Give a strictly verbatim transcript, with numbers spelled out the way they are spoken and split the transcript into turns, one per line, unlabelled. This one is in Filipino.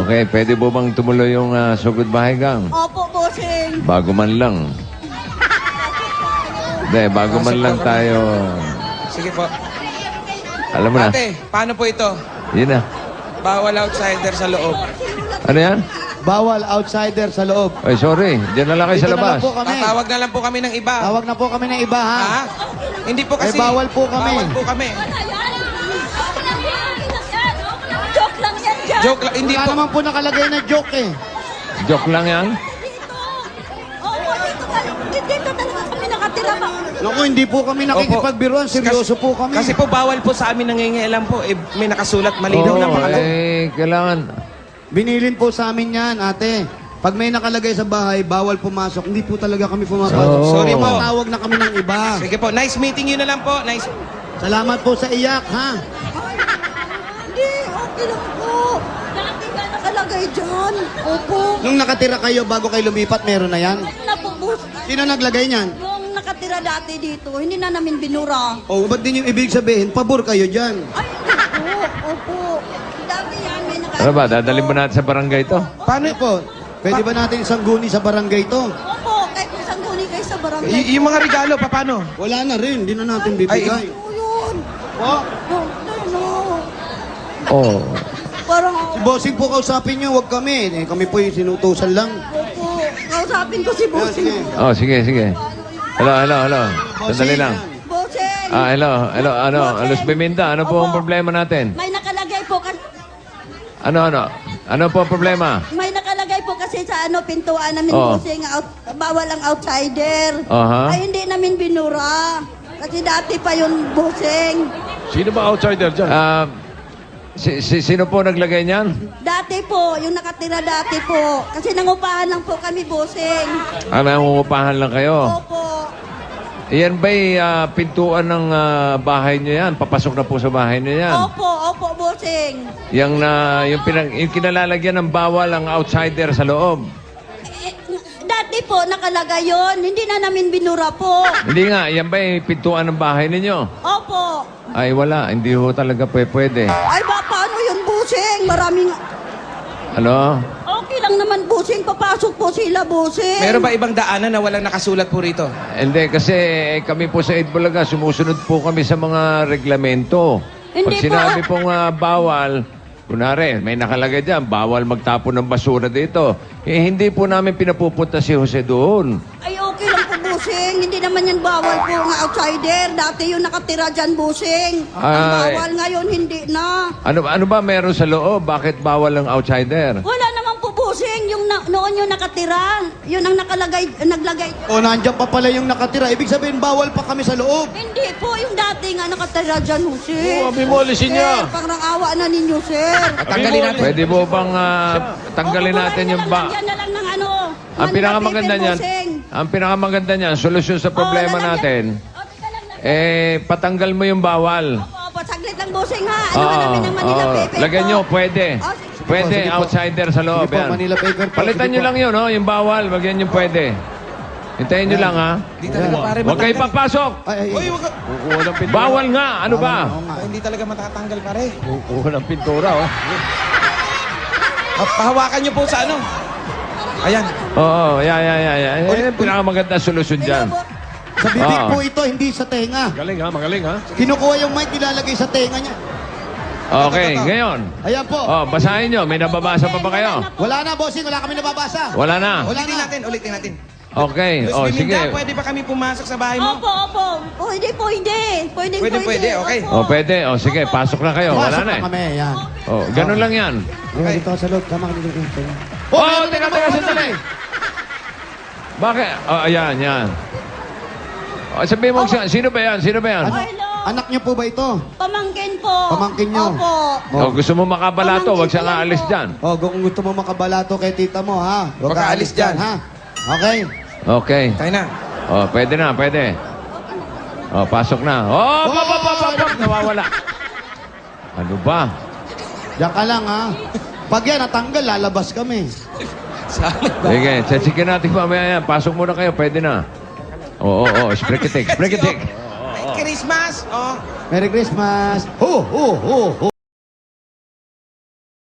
Okay, pwede po bang tumuloy yung uh, sugod bahay gang?
Opo, bossing.
Bago man lang. Hindi, bago man lang tayo.
Sige po.
Alam mo na.
Ate, paano po ito?
Yun na.
Bawal outsider sa loob.
Ano yan?
Bawal outsider sa loob.
Ay, sorry. Diyan na lang kayo sa
Dito na
labas.
lang po kami.
Tatawag na lang po kami ng iba.
Tawag na po kami ng iba, ha?
Ha? Hindi po kasi...
Eh, bawal po kami.
Bawal po kami.
Joke lang yan dyan.
Joke lang. Hindi
Wala
po.
naman po nakalagay na joke eh.
Joke lang yan?
Dito. Opo, dito, tal- dito talaga kami nakatira ba?
Naku, hindi po kami nakikipagbiruan. Seryoso po kami.
Kasi po bawal po sa amin nangingialam po. Eh, may nakasulat malinaw na
Oo,
pangalan.
eh, kailangan.
Binilin po sa amin yan, ate. Pag may nakalagay sa bahay, bawal pumasok. Hindi po talaga kami pumapasok.
Oo.
Sorry po.
Tawag na kami ng iba.
Sige po, nice meeting you na lang po. Nice.
Salamat po sa iyak, ha?
Hindi, okay lang po. Dati nga nakalagay dyan. Opo.
Nung nakatira kayo bago kayo lumipat, meron na yan?
Ano na po, boss?
Sino naglagay niyan?
Yung nakatira dati dito, hindi na namin binura.
O, ba't din yung ibig sabihin? Pabor kayo dyan.
Ay, opo, opo. Dati yan, may nakatira.
Ano ba, dadalhin mo natin sa barangay to?
Paano po? Pwede ba natin isang guni sa barangay to?
Opo, kahit isang guni kayo sa barangay.
Y- yung mga regalo, paano?
Wala na rin, hindi na natin bibigay.
Ano yun?
Po,
Oh, ano?
Oo.
Parang,
si Bossing po kausapin niyo, wag kami. Eh, kami po yung sinutusan lang.
opo, kausapin ko si
Yan, sige.
Bossing.
Oh, sige, sige. Hello, hello, hello. Sandali lang.
Bossing!
Ah, hello, hello, ano, Alos Biminda, ano po ang problema natin?
May nakalagay po kasi,
Ano, ano? Ano po ang problema?
may nakalagay po kasi sa ano pintuan namin
Oo.
Bossing, out, bawal ang outsider.
Aha.
Ay hindi namin binura. Kasi dati pa yun Bossing.
Sino ba outsider dyan?
Ah, si, si, sino po naglagay niyan?
Dati po, yung nakatira dati po. Kasi nangupahan lang po kami Bossing.
Ah, nangungupahan lang kayo.
Opo.
Yan ba'y ah, pintuan ng ah, bahay niyo yan? Papasok na po sa bahay niyo yan?
Opo, opo Bossing.
Yung, na, yung, pinag, yung kinalalagyan ng bawal ang outsider sa loob.
Eh, dati po nakalagay yun. Hindi na namin binura po.
Hindi nga, yan ba'y pintuan ng bahay ninyo?
Opo.
Ay, wala. Hindi ho talaga pwe- pwede.
Ay ba, paano yun Bossing? Maraming...
Ano?
Okay lang naman Bossing. Papasok po sila Bossing.
Meron ba ibang daanan na walang nakasulat po rito?
Hindi, kasi eh, kami po sa Itbulaga, sumusunod po kami sa mga reglamento. Pag
Hindi
sinabi
po.
pong ah, bawal, kunwari, may nakalagay dyan, bawal magtapon ng basura dito. Eh, hindi po namin pinapupunta si Jose doon.
Ay, okay lang po, Bossing. Hindi naman yan bawal po ng outsider. Dati yung nakatira dyan, Bossing. Ang
Ay.
bawal ngayon, hindi na.
Ano, ano ba meron sa loob? Bakit bawal ang outsider?
Wala naman po, Bossing. Yung na, noon yung nakatira. Yun ang nakalagay, naglagay.
O, nandiyan pa pala yung nakatira. Ibig sabihin, bawal pa kami sa loob.
Hindi po, yung dati nga nakatira dyan, Jose.
Oo, abi mo, alisin niya.
Sir, parang awa na ninyo, sir.
At tanggalin natin.
Pwede po bang ah, tanggalin
Opo,
natin
bumayin
yung
na lang,
ba...
lagyan na lang ng ano.
Ang
Manila
pinakamaganda
paper,
niyan,
Bossing.
ang pinakamaganda niyan, solusyon sa problema
Oo, lalagyan-
natin,
O, teka lang, lalagyan-
eh, patanggal mo yung bawal.
Opo, opo, saglit lang, Bossing, ha? Ano
Oo,
ka namin ng Manila
oo.
paper
Lagyan
po?
nyo, pwede.
Oh, sige.
Pwede,
Sige po.
outsider sa loob.
Sige po,
yan.
Manila paper po.
Palitan
Sige
nyo
po.
lang yun, no? yung bawal. Wagyan nyo pwede. Hintayin nyo lang, ha?
Hindi talaga pare
Huwag kayo
matatanggal.
papasok.
Ay, ay,
Uy,
ay.
wag ka-
Kukuha ng pintura.
Bawal nga. Ano ba?
Oo nga.
Ah, hindi talaga matatanggal pare.
Kukuha ng pintura, oh.
Ah, Pahawakan niyo po sa ano. Ayan.
Oo, yan, yan, yan. yan. Yan yung pinakamaganda solusyon dyan.
Sa bibig
Oo.
po ito, hindi sa tenga.
Magaling ha, magaling ha.
Kinukuha yung mic, nilalagay sa tenga niya.
Okay, ngayon.
Ayan po.
Oh, basahin nyo. May nababasa pa ba kayo?
Wala na, bossing. Wala kami nababasa.
Wala na.
Wala
Ulitin
na.
natin, ulitin natin.
Okay.
Luis
Oh,
Biminda,
sige.
pwede ba kami pumasok sa bahay mo?
Opo, opo. Pwede, pwede. Pwede,
Pwede, pwede, okay.
Oh, pwede. Oh, sige. Pasok na kayo. Wala
Pasok
na
na
eh.
kami, yan.
Oh, ganun lang yan.
Okay. Dito ka sa loob. Tama ka dito. dito.
Oh,
meron
teka,
na
teka,
naman,
sandali.
ano?
Bakit? Oh, ayan, yan. Oh, sabihin mo, si- sino ba yan? Sino ba yan?
Oh, hello.
Anak niyo po ba ito?
Pamangkin po.
Pamangkin niyo?
Opo.
Oh, gusto mo makabalato, wag siya aalis dyan.
Oh, kung gusto mo makabalato kay tita mo, ha?
Huwag ka alis dyan.
ha? Okay.
Okay.
Tayo na.
Oh, pwede na, pwede. Oh, pasok na. Oh, pop, pop, pop, pop, pop. Nawawala. Ano ba?
Diyan ka lang, ha? Pag yan natanggal, lalabas kami.
Sige, tsatsikin natin mamaya yan. Pasok muna kayo, pwede na. Oo, oo, oo. Sprekitik, sprekitik.
Christmas! Oh.
Merry Christmas! Ho, ho, ho, ho,